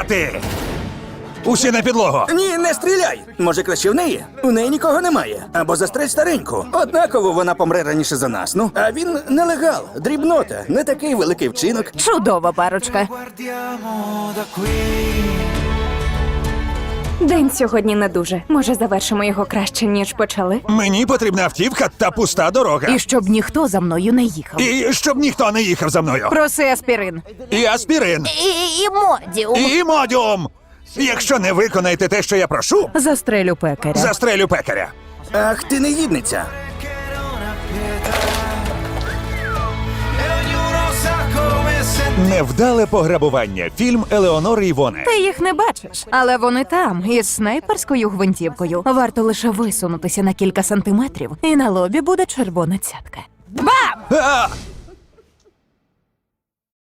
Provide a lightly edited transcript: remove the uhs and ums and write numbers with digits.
стріляти! Усі на підлогу! Ні, не стріляй! Може, краще в неї? У неї нікого немає. Або застрель стареньку. Однаково вона помре раніше за нас. Ну, а він нелегал, дрібнота, не такий великий вчинок. Чудова парочка. Guardiamo da qui. День сьогодні не дуже. Може, завершимо його краще, ніж почали? Мені потрібна автівка та пуста дорога. І щоб ніхто за мною не їхав. І щоб ніхто не їхав за мною. Проси аспірин. І аспірин. І модіум. І модіум. Якщо не виконаєте те, що я прошу, Застрелю пекаря. застрелю пекаря. Ах, ти негідниця. Che non ha pietà. E ognuno sa come sentire. Невдале пограбування. Фільм Елеонори Івони. Ти їх не бачиш, але вони там, із снайперською гвинтівкою. Варто лише висунутися на кілька сантиметрів, і на лобі буде червона цятка. Бам! А!